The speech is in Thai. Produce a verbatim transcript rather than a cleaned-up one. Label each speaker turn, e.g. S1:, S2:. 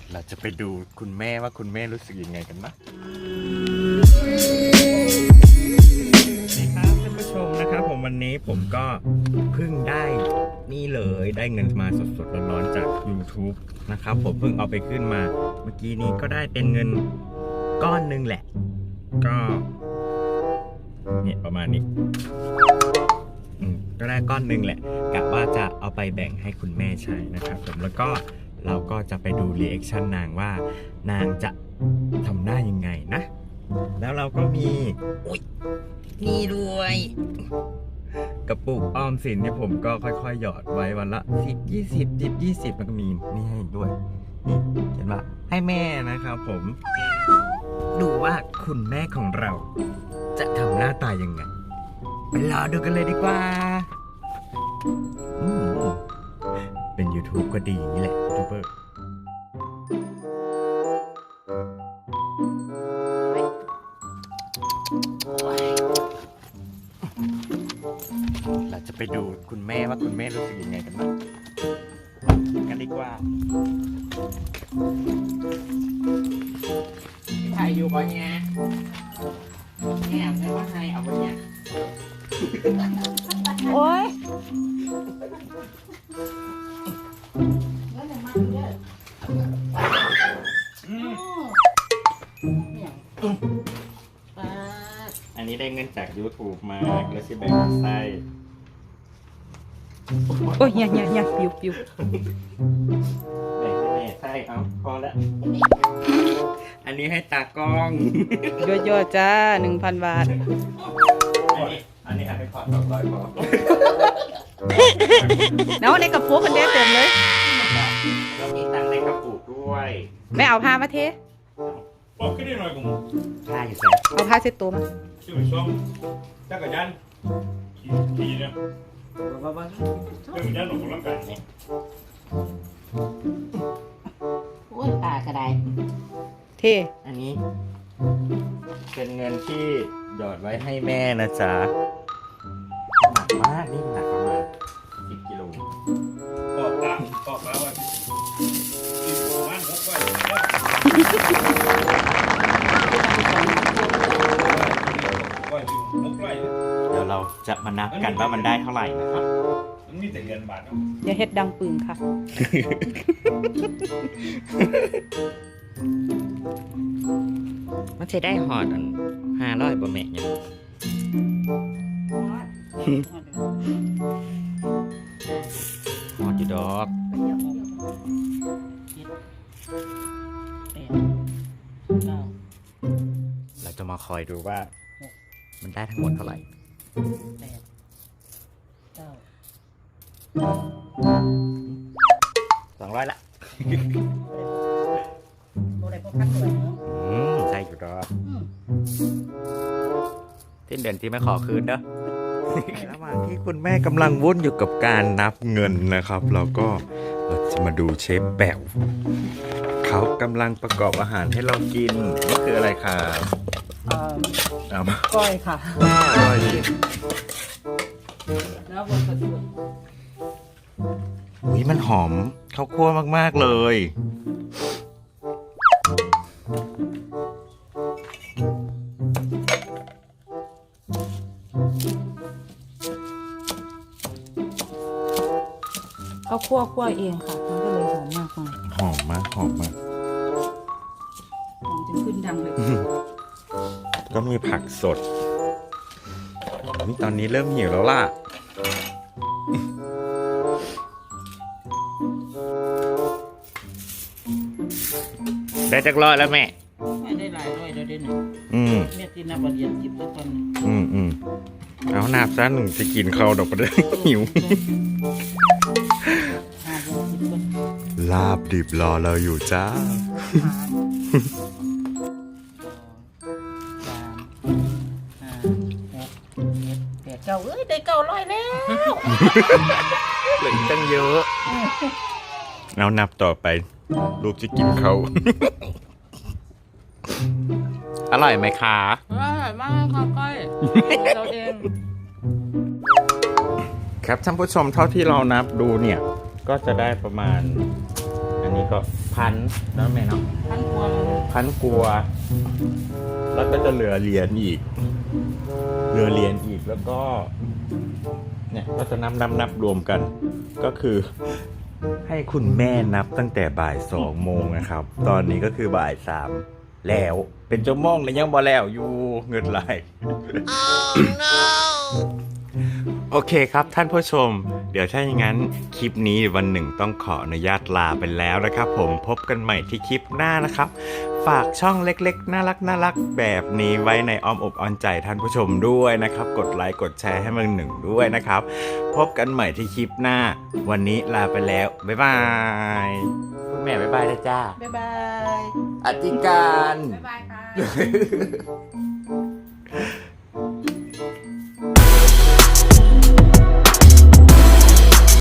S1: เราจะไปดูคุณแม่ว่าคุณแม่รู้สึกยังไงกันนะนี่ครับท่านผู้ชมนะครับผมวันนี้ผมก็เพิ่งได้นี่เลยได้เงินมาสดๆร้อนๆจาก YouTube นะครับผมเพิ่งเอาไปขึ้นมาเมื่อกี้นี้ก็ได้เป็นเงินก้อนหนึ่งแหละก็เนี่ยประมาณนี้อืมก็ได้ก้อนหนึ่งแหละกะว่าจะเอาไปแบ่งให้คุณแม่ใช้นะครับผมแล้วก็เราก็จะไปดูรีแอคชั่นนางว่านางจะทำหน้ายังไงนะแล้วเราก็มีอุ๊ยนี่ด้วยกระปุกออมสินเนี่ยผมก็ค่อยๆหยอดไว้วันละสิบยี่สิบสิบยี่สิบแล้วก็มีนี่ให้ด้วยนี่เขียนว่าให้แม่นะครับผมดูว่าคุณแม่ของเราจะทำหน้าตายังไงไปรอดูกันเลยดีกว่าอืมเป็น YouTube ก็ดีอย่างนี้แหละยูทูบเบอร์เราจะไปดูคุณแม่ว่าคุณแม่รู้สึกยังไงกันบ้างกันดีกว่าใครอยู่บ่เนี่ยแอบไม่ว่าใครเอาบ่เนี่ย
S2: โอ้ย
S1: อันนี้ได้เงินจาก YouTube มาแล้วสิแบ่งไส้
S2: โอ้ยเนี่ยเนี่ยเนี่ยปิวปิว
S1: แบ่งให้แม่ไส้เอาพอแล้วอันนี้ให้ตากล้อง
S2: ย่อๆจ้าหนึ่งพันบาท
S1: อันนี้อันนี้ให้ขอดสองร้อยพอ
S2: แล้วในกระปุกกันเด้เต็มเลย
S1: แล้วมีตังในกระปุกด้วย
S2: ไม่เอาผ้ามาเท
S3: บอกขึ้นได้หน่อยผม
S1: ใช่ใช่
S2: เอาผ้าเช็ดตัวมา
S3: ชื่อช่องจักรยานขี่ขี่เนี่ยจักรยานหลงกำลังกายเนี่ย
S4: โอ้ยปลากระได
S2: เท
S1: อันนี้เป็นเงินที่หยอดไว้ให้แม่นะจ๊ะหนักมากนี่หนักประมาณสิบกิโล
S3: ปอกปลาปอกปลาวันที่ประมาณหกวัน
S1: เดี๋ยวเราจะมานับกันว่ามันได้เท่าไหร่นะครับ
S3: มันมีแต่เงินบาทเนาะ
S2: อย่าเฮ็ดดังปึงค่ะ
S1: มันจะได้หอดอันห้าร้อยบะแม่เนี่ยหอดอยู่ดอกเราจะมาคอยดูว่ามันได้ทั้งหมดเท่าไหร่สองร้อยละอืมใช่อยู่ดอกที่เดือนที่ไม่ขอคืนเด้อระหว่างที่คุณแม่กำลังวุ่นอยู่กับการนับเงินนะครับเราก็เราจะมาดูเชฟแป๋วเขากำลังประกอบอาหารให้เรากินนี่คืออะไรครับเอามา
S2: ก้อยค่ะ
S1: ก้อย
S2: แล้วบนกระสุน
S1: อุ้ยมันหอมข้าวคั่วมากๆเลย
S2: ข้าวคั่วคั่วเองค่ะมันก็เลยหอมมากเลย
S1: หอมมากหอมมาก
S2: หอมจนขึ้นดังเลย
S1: ก็มีผักสดนี่ตอนนี้เริ่มหิวแล้วล่ะได้จักรอดแล้วแม่
S4: ไม่ได้หลายร้อยเดี๋ยวเดี๋ยวหนึ่ง
S1: อืม
S4: แม่ที่นับวันเรียนจิบแล้วตอนนี้
S1: อืมอืมเอาหนาบซะหนึ่งจะกินข้าวดอกไปเลยหิว
S4: ห้าเดือนสิบคน
S1: ลาบดิบรอเราอยู่จ้า
S4: สามห้าหกเจ็ดแปดเก้าเอ้ยได้เก้าร้อยแล้ว
S1: เหลือตั้งเยอะเอานับต่อไปลูกจะกินเขาอร่อยไหมคะ
S2: อร่อยมากค่ะก้อยเราเอง
S1: ครับท่านผู้ชมเท่าที่เรานับดูเนี่ยก็จะได้ประมาณอันนนี้ก็พันแล้วแม่เนาะ
S2: พันกว่าเลย
S1: พันกลัว แล้วก็จะเหลือเหรียญอีก เหลือเหรียญอีกแล้วก็ เนี่ยก็จะนับนับนับรวมกัน ก็คือ ให้คุณแม่นับตั้งแต่บ่ายสองโมงนะครับ ตอนนี้ก็คือบ่ายสามแล้ว เป็นชั่วโมงแล้วยังบ่แล้วอยู่เงินไหล โอเคครับท่านผู้ชม เดี๋ยวถ้าอย่างนั้นคลิปนี้วันหนึ่งต้องขออนุญาตลาไปแล้วนะครับผมพบกันใหม่ที่คลิปหน้านะครับ ฝากช่องเล็กๆน่ารักน่ารักแบบนี้ไว้ในอ้อมอกอ้อมใจท่านผู้ชมด้วยนะครับ กดไลค์กดแชร์ให้มันหนึ่งด้วยนะครับ พบกันใหม่ที่คลิปหน้า วันนี้ลาไปแล้วบ๊ายบายคุณแม่บ๊ายบายนะจ้า
S4: บ๊ายบาย
S1: อธิการ
S2: บ๊ายบายค่ะ